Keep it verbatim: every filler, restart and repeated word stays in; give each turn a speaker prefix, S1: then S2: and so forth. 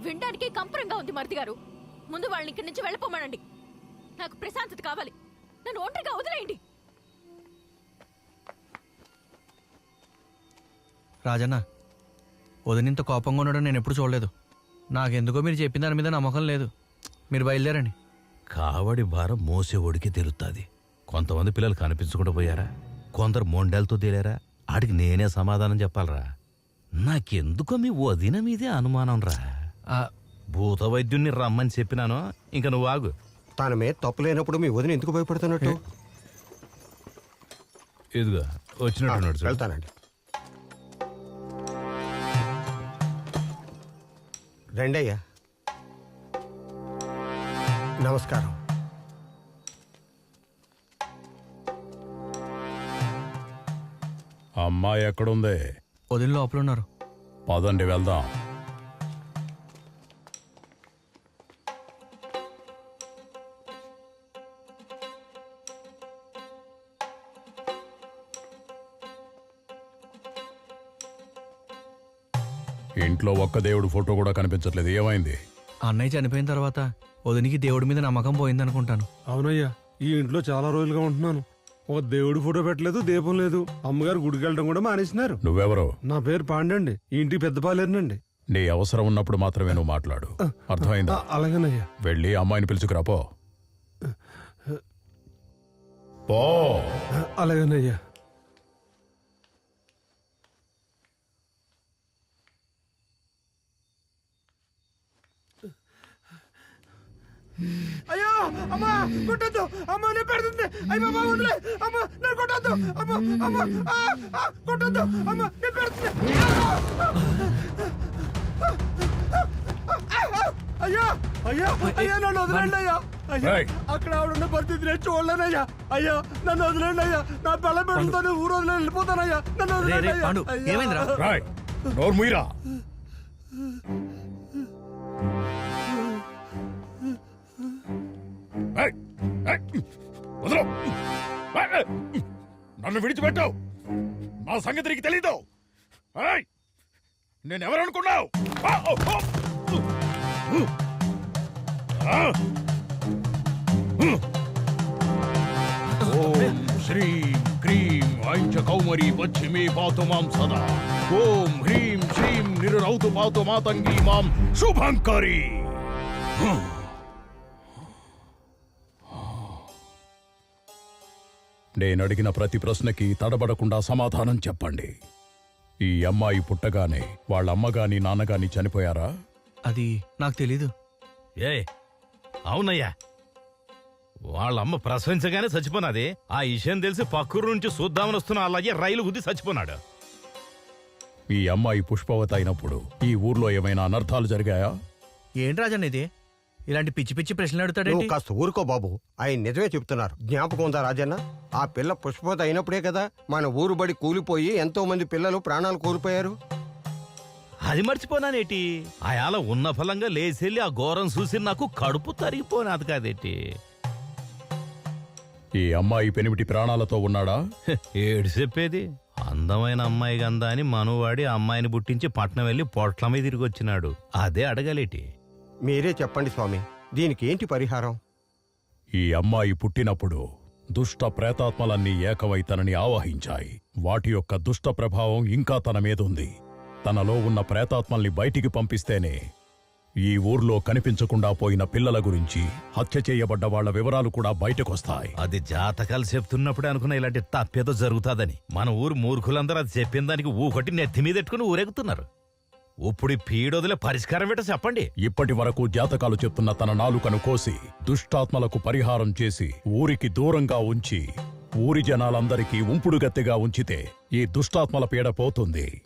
S1: వినడానికి కంపరంగా ఉంది మరిది గారు. ముందు వాళ్ళని ఇక్కడి నుంచి వెళ్ళిపోమనండి. నాకు ప్రశాంతత కావాలి. నన్ను ఒంటరిగా వదిలేయండి.
S2: రాజన్న, వదినింత కోపంగా ఉండడం నేను ఎప్పుడు చూడలేదు. నాకెందుకో మీరు చెప్పిన దాని మీద నమ్మకం లేదు. మీరు బయలుదేరండి.
S3: కావడి భారం మోసేవాడికి తెలుస్తుంది. కొంతమంది పిల్లలు కనిపించకుండా పోయారా, కొందరు మొండలతో తేలారా. ఆడికి నేనే సమాధానం చెప్పాలరా. నాకెందుకో మీ వదిన మీదే అనుమానం రా. భూత వైద్యుణ్ణి రమ్మని చెప్పినాను, ఇంక నువ్వు ఆగు.
S4: తన మీద తప్పు లేనప్పుడు మీ వదిన ఎందుకు భయపడుతున్నట్టు?
S3: ఇదిగా వచ్చినట్టు
S4: వెళ్తానండి. రండి అయ్యా. నమస్కారం.
S5: అమ్మాయి ఎక్కడుంది?
S2: వదిన లోపల ఉన్నారు.
S5: పదండి వెళ్దాం. ఇంట్లో ఒక్క దేవుడు ఫోటో కూడా కనిపించట్లేదు. ఏమైంది?
S2: అన్నయ్య చనిపోయిన తర్వాత వదినికి దేవుడి మీద నమ్మకం పోయిందనుకుంటాను.
S6: అవునయ్యా, ఈ ఇంట్లో చాలా రోజులుగా ఉంటున్నాను. ఒక దేవుడి ఫోటో పెట్టలేదు, దీపం లేదు. అమ్మగారు గుడికి వెళ్ళడం కూడా మానేసినారు.
S5: నువ్వెవరు?
S6: నా పేరు పాండండి. ఈ ఇంటికి పెద్ద పాలేరునండి.
S5: నీ అవసరం ఉన్నప్పుడు మాత్రమే నువ్వు మాట్లాడు. అర్థమైందా?
S6: అలాగేనయ్యా.
S5: వెళ్ళి అమ్మాయిని పిలుచుకురా పో. పో.
S6: అలాగేనయ్యా. అయ్యో అమ్మా, కొట్టద్దు అమ్మా, నేను పెడుతుంది. అయ్యో బాబా వదిలే అమ్మా, నేను కొట్టద్దు అమ్మా, అమ్మా కొట్టద్దు అమ్మా, నేను పెడుతుంది. అయ్యా అయ్యా అయ్యా, నన్ను వదిలేండి అయ్యా. అయ్యా, అక్కడ ఆవిడున్న పరిస్థితి నేను చూడలేనయ్యా. అయ్యా, నన్ను వదిలేండి అయ్యా. నా పిల్ల పెడుతుంది, ఊరు వదిలే వెళ్ళిపోతానయ్యా. నన్ను వదిలేండి అయ్యా.
S5: నోర్ముయిరా. నన్ను విడిచిపెట్టావు, నా సంగతి నీకు తెలీదు. నేనెవరనుకున్నావు? ఓం శ్రీం క్రీం ఐం చ కౌమరీ పశ్చిమే పాతు మాం సదా. ఓం హ్రీం శ్రీం నిరౌతు పాతు మాతంగీ మాం శుభంకరీ. నేనడిగిన ప్రతి ప్రశ్నకి తడబడకుండా సమాధానం చెప్పండి. ఈ అమ్మాయి పుట్టగానే వాళ్ళ అమ్మగాని నాన్నగాని చనిపోయారా?
S2: అది నాకు తెలీదు.
S3: ఏ అవునయ్యా, వాళ్ళమ్మ ప్రసవించగానే చచ్చిపోనాది. ఆ విషయం తెలిసి పక్కూరు నుంచి చూద్దామని వస్తున్న అలాగే రైలు గుద్ది చచ్చిపోనాడు.
S5: ఈ అమ్మాయి పుష్పవతి అయినప్పుడు ఈ ఊర్లో ఏమైనా అనర్థాలు జరిగాయా?
S2: ఏంటి రాజన్న ఇది? ఇలాంటి పిచ్చి పిచ్చి ప్రశ్నలు అడుగుతాడేంటి?
S4: కాస్త ఊరుకో బాబు, ఆయన నిజమే చెప్తున్నారు. జ్ఞాపకం ఉందా రాజన్న? ఆ పిల్ల పుష్పవతి అయినప్పుడే కదా మన ఊరు బడి కూలిపోయి ఎంతో మంది పిల్లలు ప్రాణాలు కోల్పోయారు.
S3: అది మర్చిపోనానేటి? అయాల ఉన్న ఫలంగా లేచెళ్ళి ఆ ఘోరం చూసి నాకు కడుపు తరిగిపోనాది కాదేటి.
S5: ఈ అమ్మాయి పెనిమిటి ప్రాణాలతో ఉన్నాడా?
S3: ఏడు చెప్పేది. అందమైన అమ్మాయి గందా అని మనువాడి అమ్మాయిని పుట్టించి పట్నం వెళ్లి పొట్లమై తిరిగి వచ్చినాడు. అదే అడగలేటి.
S4: మీరే చెప్పండి స్వామి, దీనికి ఏంటి పరిహారం?
S5: ఈ అమ్మాయి పుట్టినప్పుడు దుష్ట ప్రేతాత్మలన్నీ ఏకమై తనని ఆవాహించాయి. వాటి యొక్క దుష్ట ప్రభావం ఇంకా తన మీదుంది. తనలో ఉన్న ప్రేతాత్మల్ని బయటికి పంపిస్తేనే ఈ ఊర్లో కనిపించకుండా పోయిన పిల్లల గురించి, హత్య చేయబడ్డ వాళ్ల వివరాలు కూడా బయటకొస్తాయి.
S3: అది జాతకాలు చెప్తున్నప్పుడే అనుకున్న ఇలాంటి తప్పేదో జరుగుతాదని. మన ఊరు మూర్ఖులందరూ అది చెప్పిన దానికి ఊకొట్టి నెత్తి మీద ఎట్టుకుని ఊరెగుతున్నారు. ఇప్పుడు పీడొదిలే పరిష్కారం ఏంటో చెప్పండి.
S5: ఇప్పటి వరకు జాతకాలు చెప్తున్న తన నాలుకను కోసి దుష్టాత్మలకు పరిహారం చేసి ఊరికి దూరంగా ఉంచి ఊరి జనాలందరికీ ఉంపుడుగత్తెగా ఉంచితే ఈ దుష్టాత్మల పీడ పోతుంది.